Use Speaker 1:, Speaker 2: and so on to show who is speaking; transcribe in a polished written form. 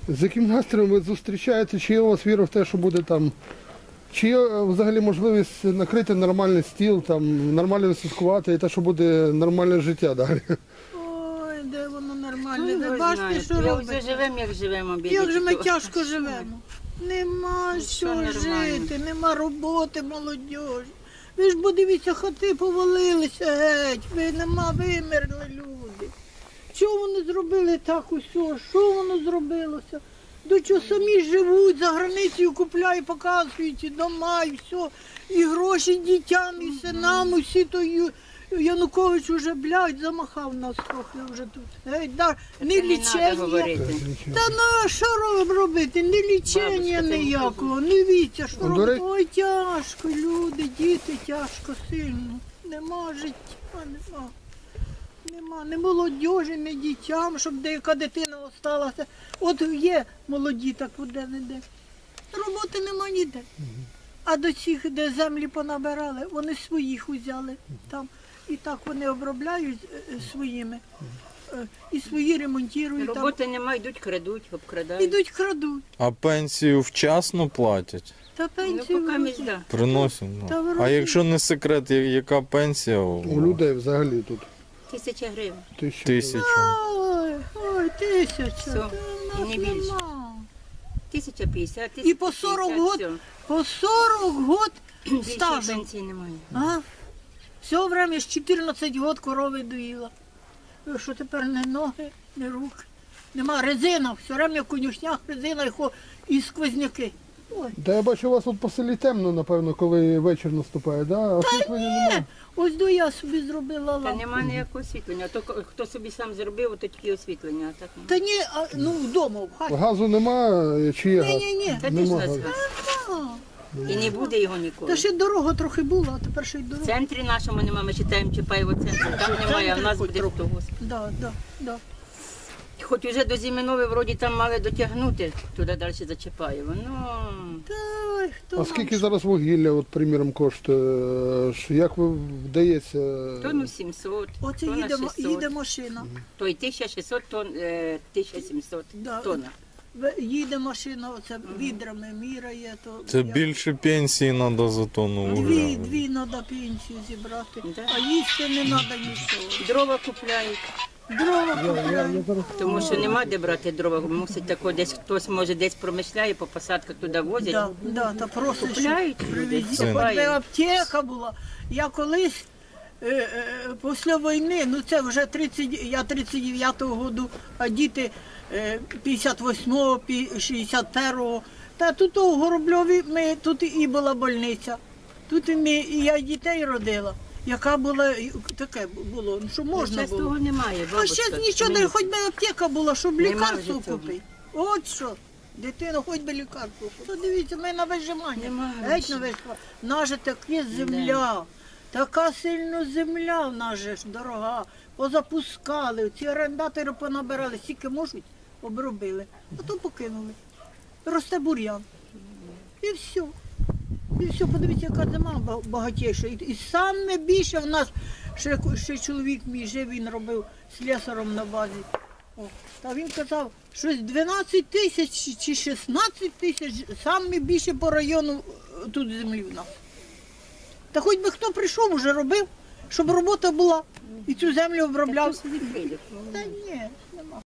Speaker 1: З яким настроєм ви зустрічаєте? Чи є у вас віра в те, що буде там? Чи є взагалі можливість накрити нормальний стіл, там, нормально відсвяткувати і те, що буде нормальне життя далі?
Speaker 2: Ой, де воно нормальне, ви бачите, що робить?
Speaker 3: Вже живемо, як живемо.
Speaker 2: Як же ми тяжко живемо. Нема що жити, нема роботи, молодь. Ви ж подивіться, хати повалилися геть, вимерли люди. Що вони зробили так усе? Що воно зробилося? До чого самі живуть, за границею купляють, показують і дома, і все. І гроші дітям, і синам, усі то Янукович уже, блядь, замахав нас трохи вже тут. Не лічення. Та ну, що робити? Не лічення ніякого, не віця, що робити. Ой, тяжко, люди, діти, тяжко, сильно. Нема життя, нема. Не молодіжі, не дітям, щоб деяка дитина осталася. От є молоді, так де-не-де. Роботи нема ніде. А до цих, де землі понабирали, вони своїх узяли там. І так вони обробляють своїми. І свої ремонтують.
Speaker 3: Роботи нема, йдуть, крадуть, обкрадають.
Speaker 2: Ідуть, крадуть.
Speaker 4: А пенсію вчасно платять?
Speaker 2: Та пенсію
Speaker 3: поки
Speaker 4: Приносять. А якщо не секрет, яка пенсія
Speaker 1: У людей взагалі тут?
Speaker 3: 1000 гривень.
Speaker 4: 1000.
Speaker 2: Ой, 1000.
Speaker 3: Все, і не більше. 1050, 1050.
Speaker 2: І по 40 год, по 40 год стажу.
Speaker 3: Пенсії немає.
Speaker 2: А? Все время з 14 років корови доїла. Що тепер не ноги, не руки. Нема резина, все время в конюшнях резина і сквозняки. Ой.
Speaker 1: Та я бачу, у вас тут по селі темно, напевно, коли вечір наступає, да? Освітлення немає.
Speaker 2: Ось до я собі зробила лампу.
Speaker 3: Та нема ніякого освітлення. То хто собі сам зробив, то тільки освітлення. А так ні.
Speaker 2: Та ні, ну вдома, в хаті.
Speaker 1: Газу немає, чи є газ?
Speaker 2: Ні.
Speaker 3: Та
Speaker 1: Нема
Speaker 3: ти ж
Speaker 1: газу.
Speaker 3: І не буде його ніколи.
Speaker 2: Та ще дорога трохи була, а тепер ще й
Speaker 3: В
Speaker 2: дорога.
Speaker 3: центрі нашому немає, ми читаємо Чапаєво центр. Там немає, а в нас буде того.
Speaker 2: Да.
Speaker 3: Хоч уже до Зиминови вроді там мали дотягнути туди далі за Чапаєво. Ну,
Speaker 2: Та, хто
Speaker 1: А скільки зараз вугілля, от, приміром, коштує? Як ви вдається?
Speaker 3: тонну 700,
Speaker 2: Оце
Speaker 3: тонна
Speaker 2: їде
Speaker 3: 600.
Speaker 2: машина.
Speaker 3: То й 1600, 1700
Speaker 2: Да.
Speaker 3: тонна.
Speaker 2: Їде машина, оце відрами міряє. То
Speaker 4: Це більше пенсії треба за тонну вугілля.
Speaker 2: Дві треба пенсію зібрати,
Speaker 3: Да.
Speaker 2: а їсти не треба нічого.
Speaker 3: Дрова купляють,
Speaker 2: Дрова купляють.
Speaker 3: тому що нема де брати дрова. Мусить тако десь хтось може десь промишляє, по посадках туди возять.
Speaker 2: Да, та просто
Speaker 3: Купляють люди,
Speaker 2: привезіть. Хоч би
Speaker 3: купають.
Speaker 2: аптека була. Я колись після війни, ну це вже я 39-го року, а діти 58-го, 61-го. Та тут у Горобльові тут і була больниця. Тут і я дітей родила. Яка була, таке було, що можна
Speaker 3: Зараз
Speaker 2: було.
Speaker 3: того немає.
Speaker 2: А ще нічого, не, хоч би аптека була, щоб
Speaker 3: Нема
Speaker 2: лікарство
Speaker 3: вже цього.
Speaker 2: купити. От що. Дитина, хоч би лікарство купити. Дивіться, ми на вижимання.
Speaker 3: Нема
Speaker 2: Геть
Speaker 3: нічого.
Speaker 2: на вижимання. Наша така земля. Така сильно земля в нас же ж дорога. Позапускали, ці орендатори понабирали, скільки можуть, обробили. А то покинули. Росте бур'ян. І все. І все, подивіться, яка зима багатіша. І саме більше в нас, ще чоловік мій жив, він робив слесарем на базі. О, та він казав, щось 12 тисяч чи 16 тисяч, саме більше по району тут землі в нас. Та хоч би хто прийшов, уже робив, щоб робота була і цю землю обробляв.
Speaker 3: Та хто собі прийде?
Speaker 2: Та ні, нема.